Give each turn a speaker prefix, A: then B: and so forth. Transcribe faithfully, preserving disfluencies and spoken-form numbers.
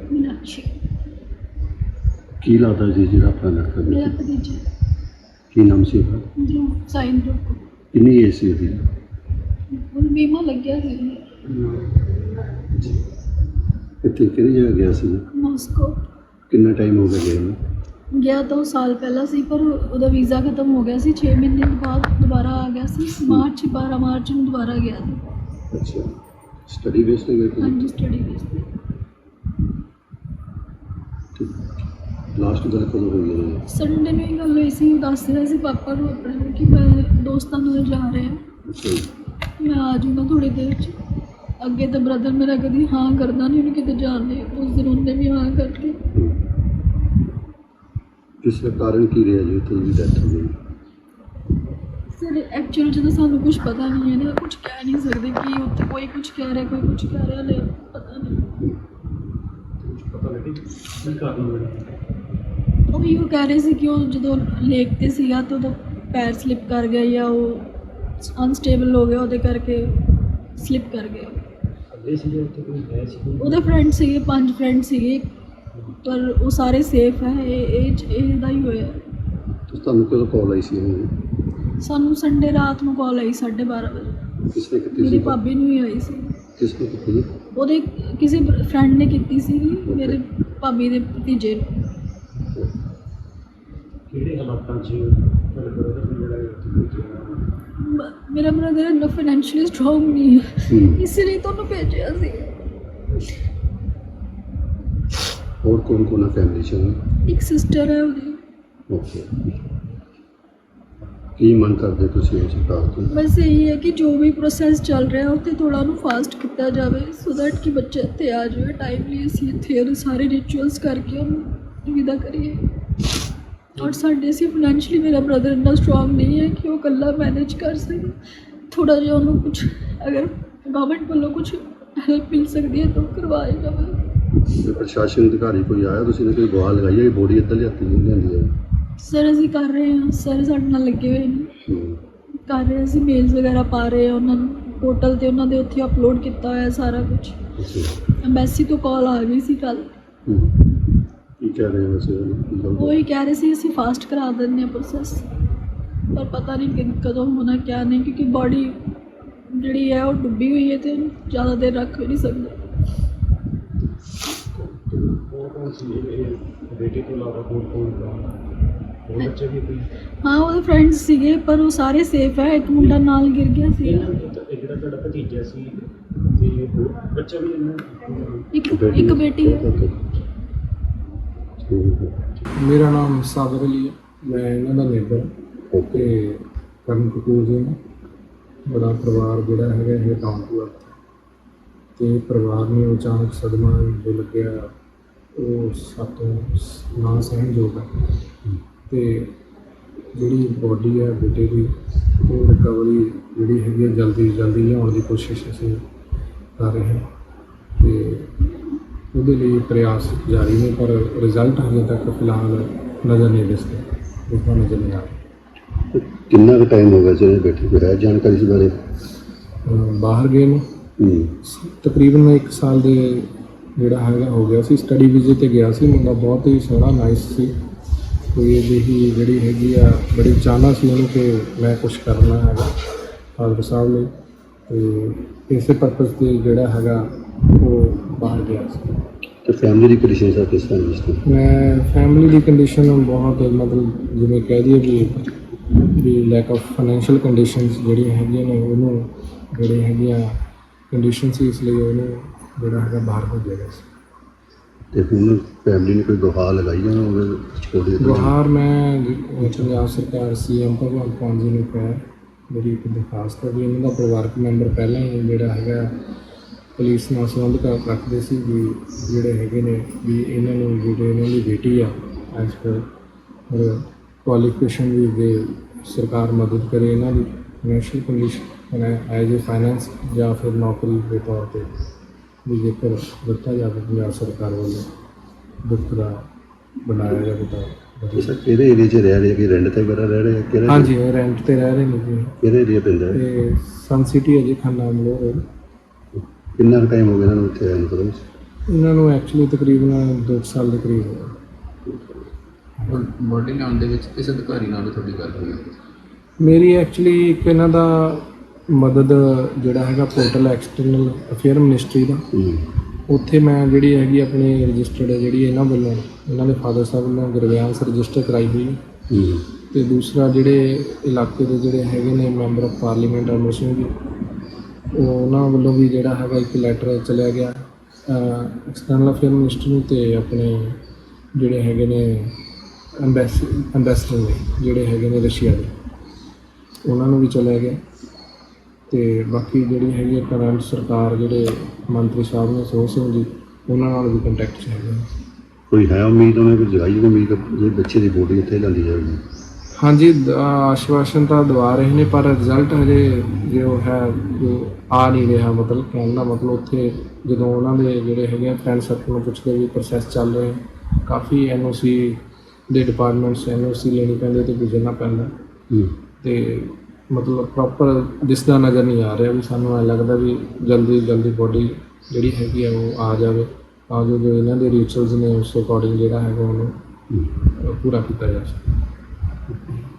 A: मीनाक्षी
B: ਕੀ ਲੱਗਦਾ ਜੀ ਜਿਹੜਾ ਆਪਣਾ ਲੜਕਾ
A: मेरा
B: ਸੀ?
A: भतीजा
B: ਕੀ ਨਾਮ ਸੀ ਉਹਦਾ?
A: ध्रुव साइन ध्रुव को
B: ਕਿੰਨੀ ਏਜ ਸੀ ਉਹਦੀ?
A: ਹੁਣ बीमा लग गया ਸੀ
B: ਕਿੱਥੇ ਕਿਹੜੀ ਜਗ੍ਹਾ ਗਿਆ ਸੀ?
A: ਮਾਸਕੋ
B: ਕਿੰਨਾ ਟਾਈਮ ਹੋ ਗਿਆ ਗਏ ਨੂੰ?
A: ਗਿਆ ਤਾਂ ਉਹ ਸਾਲ ਪਹਿਲਾਂ ਸੀ ਪਰ ਉਹਦਾ ਵੀਜ਼ਾ ਖਤਮ ਹੋ ਗਿਆ ਸੀ ਛੇ ਮਹੀਨੇ ਬਾਅਦ ਦੁਬਾਰਾ ਆ ਗਿਆ ਸੀ ਮਾਰਚ ਬਾਰਾਂ ਮਾਰਚ ਨੂੰ ਦੁਬਾਰਾ ਗਿਆ ਸੀ।
B: ਅੱਛਾ ਸਟੱਡੀ ਬੇਸ ਤੇ ਗਏ
A: ਹਾਂਜੀ ਸਟੱਡੀ ਬੇਸ ਤੇ।
B: ਸੀ? ਲਾਸਟ ਗੱਲ ਕਦੋਂ ਹੋਈ ਹੈ?
A: ਸੰਡੇ ਨੂੰ ਹੀ ਗੱਲ ਹੋਈ ਸੀ ਉਹ ਦੱਸ ਰਿਹਾ ਸੀ ਪਾਪਾ ਨੂੰ ਆਪਣੇ ਨੂੰ ਕਿ ਮੈਂ ਦੋਸਤਾਂ ਨਾਲ ਜਾ ਰਿਹਾ
B: ਅੱਛਾ ਜੀ।
A: ਮੈਂ ਆ ਜਾਊਂਗਾ ਥੋੜੀ ਦੇਰ 'ਚ। ਅੱਗੇ ਤਾਂ ਬ੍ਰਦਰ ਮੇਰਾ ਕਦੀ ਹਾਂ ਕਰਦਾ ਨਹੀਂ ਉਹਨੂੰ ਕਿਤੇ ਜਾਣ ਲਈ ਉਸ ਦਿਨ ਉਹਨੇ ਵੀ ਹਾਂ ਕਰਕੇ।
B: ਹਮ। ਕਿਸ ਦਾ ਕਾਰਨ ਕੀ ਰਿਹਾ ਜੀ ਉੱਥੇ ਦੀ ਡੈਥ ਹੋ ਗਈ?
A: ਸਰ ਐਕਚੁਅਲ 'ਚ ਤਾਂ ਸਾਨੂੰ ਕੁਝ ਪਤਾ ਨਹੀਂ ਹੈ ਨਾ ਕੁਝ ਕਹਿ ਨਹੀਂ ਸਕਦੇ ਕਿ ਉੱਥੇ ਕੋਈ ਕੁਝ ਕਹਿ ਰਿਹਾ ਕੋਈ ਕੁਝ ਕਹਿ ਰਿਹਾ ਲੈ ਪਤਾ ਨਹੀਂ।
B: ਪਤਾ ਲੱਗੇ ਕੀ ਕਾਰਨ ਹੋਇਆ?
A: ਉਹ ਵੀ ਉਹ ਕਹਿ ਰਹੇ ਸੀ ਕਿ ਉਹ ਜਦੋਂ ਲੇਕ 'ਤੇ ਸੀਗਾ ਤਾਂ ਉਹਦਾ ਪੈਰ ਸਲਿੱਪ ਕਰ ਗਿਆ ਜਾਂ ਉਹ ਅਨਸਟੇਬਲ ਹੋ ਗਿਆ ਉਹਦੇ ਕਰਕੇ ਸਲਿੱਪ ਕਰ ਗਿਆ।
B: ਅੱਗੇ ਸੀ ਉੱਥੇ ਕੋਈ ਹੈ ਸੀ?
A: ਉਹਦੇ ਫਰੈਂਡ ਸੀਗੇ ਪੰਜ ਫਰੈਂਡ ਸੀਗੇ ਪਰ ਉਹ ਸਾਰੇ ਸੇਫ ਹੈ ਇਹ ਇਹ 'ਚ ਇਹਦਾ ਹੀ ਹੋਇਆ।
B: ਤੁਸੀਂ ਤੁਹਾਨੂੰ ਕਦੋਂ ਕਾਲ ਆਈ ਸੀ ਇਹਨੂੰ?
A: ਸਾਨੂੰ ਸੰਡੇ ਰਾਤ ਨੂੰ ਕਾਲ ਆਈ ਸਾਢੇ ਬਾਰਾਂ ਵਜੇ।
B: ਕਿਸ ਨੇ ਕੀਤੀ
A: ਮੇਰੀ
B: ਸੀ?
A: ਭਾਬੀ ਨੂੰ ਹੀ ਆਈ ਸੀ।
B: ਕਿਸ ਨੇ ਕੀਤੀ ਜੀ?
A: ਉਹਦੇ ਕਿਸੇ ਫਰੈਂਡ ਨੇ ਕੀਤੀ ਸੀ ਮੇਰੇ ਭਾਬੀ ਦੇ ਭਤੀਜੇ ਨੂੰ।
B: ਕਿਹੜੇ ਹਾਲਾਤਾਂ 'ਚ ਤੁਹਾਡੇ ਬ੍ਰਦਰ ਨੂੰ ਜਿਹੜਾ ਉੱਥੇ ਭੇਜਿਆ?
A: ਮ- ਮੇਰਾ ਬ੍ਰਦਰ ਇੰਨਾ ਫਾਈਨੈਂਸ਼ੀਅਲੀ ਸਟਰੋਂਗ ਨਹੀਂ ਹੈ ਇਸ ਲਈ ਤੁਹਾਨੂੰ ਭੇਜਿਆ ਸੀ।
B: ਹੋਰ ਕੌਣ ਕੌਣ ਹੈ ਫੈਮਿਲੀ 'ਚ?
A: ਇੱਕ ਸਿਸਟਰ ਹੈ ਉਹਦੀ।
B: ਓਕੇ ਕੀ ਮੰਗ ਕਰਦੇ ਤੁਸੀਂ ਉਸ ਸਰਕਾਰ ਤੋਂ?
A: ਬਸ ਇਹੀ ਹੈ ਕਿ ਜੋ ਵੀ ਪ੍ਰੋਸੈਸ ਚੱਲ ਰਿਹਾ ਉੱਥੇ ਥੋੜ੍ਹਾ ਉਹਨੂੰ ਫਾਸਟ ਕੀਤਾ ਜਾਵੇ ਸੋ ਦੈਟ ਕਿ ਬੱਚਾ ਇੱਥੇ ਆ ਜਾਵੇ ਟਾਈਮਲੀ ਅਸੀਂ ਇੱਥੇ ਉਹਦੇ ਸਾਰੇ ਰਿਚੁਅਲਸ ਕਰਕੇ ਉਹਨੂੰ ਵਿਦਾ ਕਰੀਏ। ਔਰ ਸਾਡੇ ਅਸੀਂ ਫਾਈਨੈਂਸ਼ਲੀ ਮੇਰਾ ਬ੍ਰਦਰ ਇੰਨਾ ਸਟਰੋਂਗ ਨਹੀਂ ਹੈ ਕਿ ਉਹ ਇਕੱਲਾ ਮੈਨੇਜ ਕਰ ਸਕੇ। ਥੋੜ੍ਹਾ ਜਿਹਾ ਉਹਨੂੰ ਕੁਝ ਅਗਰ ਗਵਰਨਮੈਂਟ ਵੱਲੋਂ ਕੁਝ ਹੈਲਪ ਮਿਲ ਸਕਦੀ ਹੈ ਤਾਂ ਉਹ ਕਰਵਾਇਆ ਜਾਵੇ।
B: ਤੇ ਪ੍ਰਸ਼ਾਸਨ ਅਧਿਕਾਰੀ ਕੋਈ ਆਇਆ? ਤੁਸੀਂ ਨੇ ਕੋਈ ਗੁਹਾਰ ਲਗਾਈ ਹੈ ਕਿ ਬੋਡੀ ਇੱਧਰ ਲਿਆਤੀ ਜਾਂਦੀ ਹੈ?
A: ਸਰ ਅਸੀਂ ਕਰ ਰਹੇ ਹਾਂ ਸਰ ਸਾਡੇ ਨਾਲ ਲੱਗੇ ਹੋਏ ਨੇ
B: ਹਮ।
A: ਕਰ ਰਹੇ ਅਸੀਂ ਮੇਲਸ ਵਗੈਰਾ ਪਾ ਰਹੇ ਹਾਂ ਉਹਨਾਂ ਨੂੰ ਪੋਰਟਲ 'ਤੇ ਉਹਨਾਂ ਦੇ ਉੱਥੇ ਅਪਲੋਡ ਕੀਤਾ ਹੋਇਆ ਸਾਰਾ ਕੁਝ।
B: ਅੱਛਾ।
A: ਐਮਬੈਸੀ ਤੋਂ ਕਾਲ ਆ ਗਈ ਸੀ ਕੱਲ੍ਹ।
B: ਹਮ। ਕੀ ਕਹਿ ਰਹੇ ਹੋ ਵੈਸੇ ਉਹ?
A: ਉਹ ਹੀ ਕਹਿ ਰਹੇ ਸੀ ਅਸੀਂ ਫਾਸਟ ਕਰਾ ਦਿੰਦੇ ਹਾਂ ਪ੍ਰੋਸੈਸ ਪਰ ਪਤਾ ਨਹੀਂ ਕਿ ਕਦੋਂ ਹੋਣਾ ਕਿਆ ਨਹੀਂ ਕਿਉਂਕਿ ਬਾਡੀ ਜਿਹੜੀ ਹੈ ਉਹ ਡੁੱਬੀ ਹੋਈ ਹੈ ਅਤੇ ਜ਼ਿਆਦਾ ਦੇਰ ਰੱਖ ਵੀ ਨਹੀਂ ਸਕਦੇ।
B: ਬੇਟੀ ਤੋਂ ਇਲਾਵਾ ਹੋਰ ਕੋਈ ਹੋਰ ਬੱਚੇ ਵੀ ਕੋਈ?
A: ਹਾਂ ਉਹਦੇ ਫਰੈਂਡਸ ਸੀਗੇ ਪਰ ਉਹ ਸਾਰੇ ਸੇਫ ਹੈ। ਇੱਕ ਮੁੰਡਾ ਨਾਲ ਗਿਰ ਗਿਆ ਸੀ।
B: ਇਹ ਜਿਹੜਾ ਤੁਹਾਡਾ ਭਤੀਜਾ ਸੀ ਤੇ ਹੋਰ ਬੱਚਾ ਵੀ ਇਹਨਾਂ?
A: ਇੱਕ ਇੱਕ ਬੇਟੀ ਹੈ।
C: ਮੇਰਾ ਨਾਮ ਸਾਬਰ ਅਲੀ ਹੈ, ਮੈਂ ਇਹਨਾਂ ਦਾ ਨੇਬਰ ਅਤੇ ਕਰਨ ਕਪੂਰ ਜੀ ਨੇ ਬੜਾ ਪਰਿਵਾਰ ਜਿਹੜਾ ਹੈਗਾ ਇਹ ਡਾਊਨ ਟੂ ਅਰਥ ਅਤੇ ਪਰਿਵਾਰ ਨੂੰ ਅਚਾਨਕ ਸਦਮਾ ਜੋ ਲੱਗਿਆ ਉਹ ਸਾਤੋਂ ਨਾ ਸਹਿਣਯੋਗ ਹੈ ਅਤੇ ਜਿਹੜੀ ਬੋਡੀ ਹੈ ਬੇਟੇ ਦੀ ਉਹ ਰਿਕਵਰੀ ਜਿਹੜੀ ਹੈਗੀ ਹੈ ਜਲਦੀ ਜਲਦੀ ਲਿਆਉਣ ਦੀ ਕੋਸ਼ਿਸ਼ ਅਸੀਂ ਕਰ ਰਹੇ ਹਾਂ ਅਤੇ ਉਹਦੇ ਲਈ ਪ੍ਰਯਾਸ ਜਾਰੀ ਨੇ ਪਰ ਰਿਜ਼ਲਟ ਹਜੇ ਤੱਕ ਫਿਲਹਾਲ ਨਜ਼ਰ ਨਹੀਂ ਦਿਸਦੇ ਦੇਖੋ ਨਜ਼ਰ ਨਹੀਂ ਆ ਰਿਹਾ।
B: ਕਿੰਨਾ ਕੁ ਟਾਈਮ ਹੋ ਗਿਆ ਜਿਹੜੇ ਬੇਟੇ ਕੋਲ ਹੈ ਜਾਣਕਾਰੀ ਇਸ ਬਾਰੇ?
C: ਬਾਹਰ ਗਏ ਨੂੰ ਤਕਰੀਬਨ ਮੈਂ ਇੱਕ ਸਾਲ ਦੇ ਜਿਹੜਾ ਹੈਗਾ ਹੋ ਗਿਆ ਸੀ। ਸਟੱਡੀ ਵੀਜ਼ੇ 'ਤੇ ਗਿਆ ਸੀ। ਮੁੰਡਾ ਬਹੁਤ ਹੀ ਸੋਹਣਾ ਨਾਈਸ ਸੀ। ਕੋਈ ਇਹਦੀ ਜਿਹੜੀ ਹੈਗੀ ਆ ਬੜੀ ਚਾਹਨਾ ਸੀ ਉਹਨੂੰ ਕਿ ਮੈਂ ਕੁਛ ਕਰਨਾ ਹੈਗਾ ਫਾਦਰ ਸਾਹਿਬ ਲਈ ਅਤੇ ਇਸੇ ਪਰਪਸ 'ਤੇ ਜਿਹੜਾ ਹੈਗਾ ਉਹ ਬਾਹਰ ਗਿਆ ਸੀ।
B: ਤੇ ਫੈਮਿਲੀ ਦੀ ਕੰਡੀਸ਼ਨ ਸਰ ਕਿਸ ਤਰ੍ਹਾਂ ਦੀ?
C: ਮੈਂ ਫੈਮਿਲੀ ਦੀ ਕੰਡੀਸ਼ਨ ਬਹੁਤ ਮਤਲਬ ਜਿਵੇਂ ਕਹਿ ਦਈਏ ਵੀ ਵੀ ਲੈਕ ਆਫ ਫਾਈਨੈਂਸ਼ੀਅਲ ਕੰਡੀਸ਼ਨਸ ਜਿਹੜੀਆਂ ਹੈਗੀਆਂ ਨੇ ਉਹਨੂੰ ਜਿਹੜੇ ਹੈਗੀਆਂ ਕੰਡੀਸ਼ਨ ਸੀ ਇਸ ਲਈ ਉਹਨੂੰ ਜਿਹੜਾ ਹੈਗਾ ਬਾਹਰ ਭੇਜਿਆ ਗਿਆ ਸੀ।
B: ਤੇ ਹੁਣ ਫੈਮਿਲੀ ਨੇ ਕੋਈ ਗੁਹਾਰ ਲਗਾਈ ਹੈ ਉਹਦੇ?
C: ਗੁਹਾਰ ਮੈਂ ਪੰਜਾਬ ਸਰਕਾਰ ਸੀ ਐਮ ਭਗਵੰਤ ਮਾਨ ਜੀ ਨੂੰ ਕਿਹਾ ਮੇਰੀ ਇੱਕ ਦਰਖਾਸਤ ਹੈ ਵੀ ਇਹਨਾਂ ਦਾ ਪਰਿਵਾਰਕ ਮੈਂਬਰ ਪਹਿਲਾਂ ਹੀ ਜਿਹੜਾ ਹੈਗਾ ਪੁਲਿਸ ਨਾਲ ਸੰਬੰਧ ਕਰ ਰੱਖਦੇ ਸੀ ਵੀ ਜਿਹੜੇ ਹੈਗੇ ਨੇ ਵੀ ਇਹਨਾਂ ਨੂੰ ਜਿਹੜੇ ਇਹਨਾਂ ਦੀ ਬੇਟੀ ਆ ਐਜ਼ ਪਰ ਕੁਆਲੀਫਿਕੇਸ਼ਨ ਵੀ ਦੇ ਸਰਕਾਰ ਮਦਦ ਕਰੇ ਇਹਨਾਂ ਦੀ financial condition as a finance ਜਾਂ ਫਿਰ ਨੌਕਰੀ ਦੇ ਤੌਰ 'ਤੇ ਵੀ ਜੇਕਰ ਦਿੱਤਾ ਜਾਵੇ ਪੰਜਾਬ ਸਰਕਾਰ ਵੱਲੋਂ ਦੁੱਖ ਦਾ ਬਣਾਇਆ ਜਾਵੇ ਤਾਂ
B: ਸਰ ਕਿਹੜੇ ਏਰੀਏ 'ਚ ਰਹਿ ਰਹੇ ਕਿ ਰੈਂਟ 'ਤੇ ਵਗੈਰਾ ਰਹਿ ਰਹੇ ਕਿਹੜੇ?
C: ਹਾਂਜੀ ਰੈਂਟ 'ਤੇ ਰਹਿ ਰਹੇ ਨੇ ਜੀ।
B: ਕਿਹੜੇ ਏਰੀਆ ਪੈਂਦਾ ਹੈ?
C: ਅਤੇ ਸਨ ਸਿਟੀ ਹੈ ਜੀ ਖੰਨਾ ਮਲੋਰ।
B: ਕਿੰਨਾ ਕੁ ਟਾਈਮ ਹੋ ਗਿਆ ਇਹਨਾਂ ਨੂੰ ਇੱਥੇ ਆਏ ਨੂੰ?
C: ਇਹਨਾਂ ਨੂੰ ਐਕਚੁਅਲੀ ਤਕਰੀਬਨ ਦੋ ਕੁ ਸਾਲ ਦੇ ਕਰੀਬ ਹੋਇਆ।
D: ਹੁਣ ਬੋਡੀ ਲਿਆਉਣ ਦੇ ਵਿੱਚ ਕਿਸ ਅਧਿਕਾਰੀ ਨਾਲ ਤੁਹਾਡੀ ਗੱਲ ਹੋਈ?
C: ਮੇਰੀ ਐਕਚੁਅਲੀ ਇੱਕ ਇਹਨਾਂ ਦਾ ਮਦਦ ਜਿਹੜਾ ਹੈਗਾ ਪੋਰਟਲ ਐਕਸਟਰਨਲ ਅਫੇਅਰ ਮਿਨਿਸਟਰੀ ਦਾ, ਉੱਥੇ ਮੈਂ ਜਿਹੜੀ ਹੈਗੀ ਆਪਣੀ ਰਜਿਸਟਰਡ ਜਿਹੜੀ ਇਹਨਾਂ ਵੱਲੋਂ ਇਹਨਾਂ ਦੇ ਫਾਦਰ ਸਾਹਿਬ ਵੱਲੋਂ ਗੁਰਵਿਆਸ ਰਜਿਸਟਰ ਕਰਾਈ ਹੋਈ ਹੈ। ਅਤੇ ਦੂਸਰਾ ਜਿਹੜੇ ਇਲਾਕੇ ਦੇ ਜਿਹੜੇ ਹੈਗੇ ਨੇ member of parliament Amar Singh ji, ਉਹ ਉਹਨਾਂ ਵੱਲੋਂ ਵੀ ਜਿਹੜਾ ਹੈਗਾ ਇੱਕ ਲੈਟਰ ਚਲਿਆ ਗਿਆ ਐਕਸਟਰਨਲ ਅਫੇਅਰ ਮਿਨਿਸਟਰ ਨੂੰ, ਅਤੇ ਆਪਣੇ ਜਿਹੜੇ ਹੈਗੇ ਨੇ ਅੰਬੈਸ ਅੰਬੈਸਡਰ ਨੇ ਜਿਹੜੇ ਹੈਗੇ ਨੇ ਰਸ਼ੀਆ ਦੇ, ਉਹਨਾਂ ਨੂੰ ਵੀ ਚਲਿਆ ਗਿਆ। ਅਤੇ ਬਾਕੀ ਜਿਹੜੀ ਹੈਗੀ ਹੈ ਕਰੰਟ ਸਰਕਾਰ ਜਿਹੜੇ ਮੰਤਰੀ ਸਾਹਿਬ ਨੇ ਸੋਹ ਸਿੰਘ ਜੀ, ਉਹਨਾਂ ਨਾਲ ਵੀ ਕੰਟੈਕਟ 'ਚ ਹੈਗੇ।
B: ਕੋਈ ਹੈ ਉਮੀਦ ਉਹਨੇ ਕੋਈ ਜਗਾਈ ਕੋਈ ਉਮੀਦ ਇਹ ਬੱਚੇ ਦੀ ਬੋਡੀ ਉੱਥੇ ਲਿਆਂਦੀ ਜਾਵੇਗੀ?
C: ਹਾਂਜੀ, ਦ- ਆਸ਼ਵਾਸਨ ਤਾਂ ਦਵਾ ਰਹੇ ਨੇ, ਪਰ ਰਿਜ਼ਲਟ ਹਜੇ ਜੋ ਹੈ ਜੋ ਆ ਨਹੀਂ ਰਿਹਾ। ਮਤਲਬ ਕਹਿਣ ਦਾ ਮਤਲਬ ਉੱਥੇ ਜਦੋਂ ਉਹਨਾਂ ਦੇ ਜਿਹੜੇ ਹੈਗੇ ਫਰੈਂਡ ਸਰਕਲ ਨੂੰ ਪੁੱਛਦੇ ਵੀ ਪ੍ਰੋਸੈਸ ਚੱਲ ਰਹੇ, ਕਾਫੀ ਐਨ ਓ ਸੀ ਦੇ ਡਿਪਾਰਟਮੈਂਟਸ ਐਨ ਓ ਸੀ ਲੈਣੀ ਪੈਂਦੀ ਅਤੇ ਗੁਜ਼ਰਨਾ ਪੈਂਦਾ, ਅਤੇ ਮਤਲਬ ਪ੍ਰੋਪਰ ਦਿਸਦਾ ਨਜ਼ਰ ਨਹੀਂ ਆ ਰਿਹਾ। ਵੀ ਸਾਨੂੰ ਐਂ ਲੱਗਦਾ ਵੀ ਜਲਦੀ ਜਲਦੀ ਬੋਡੀ ਜਿਹੜੀ ਹੈਗੀ ਆ ਉਹ ਆ ਜਾਵੇ, ਤਾਂ ਜੋ ਜੋ ਇਹਨਾਂ ਦੇ ਰਿਚੁਅਲਸ ਨੇ ਉਸ ਅਕੋਰਡਿੰਗ ਜਿਹੜਾ ਹੈਗਾ ਉਹਨੂੰ ਪੂਰਾ ਕੀਤਾ ਜਾ ਸਕੇ।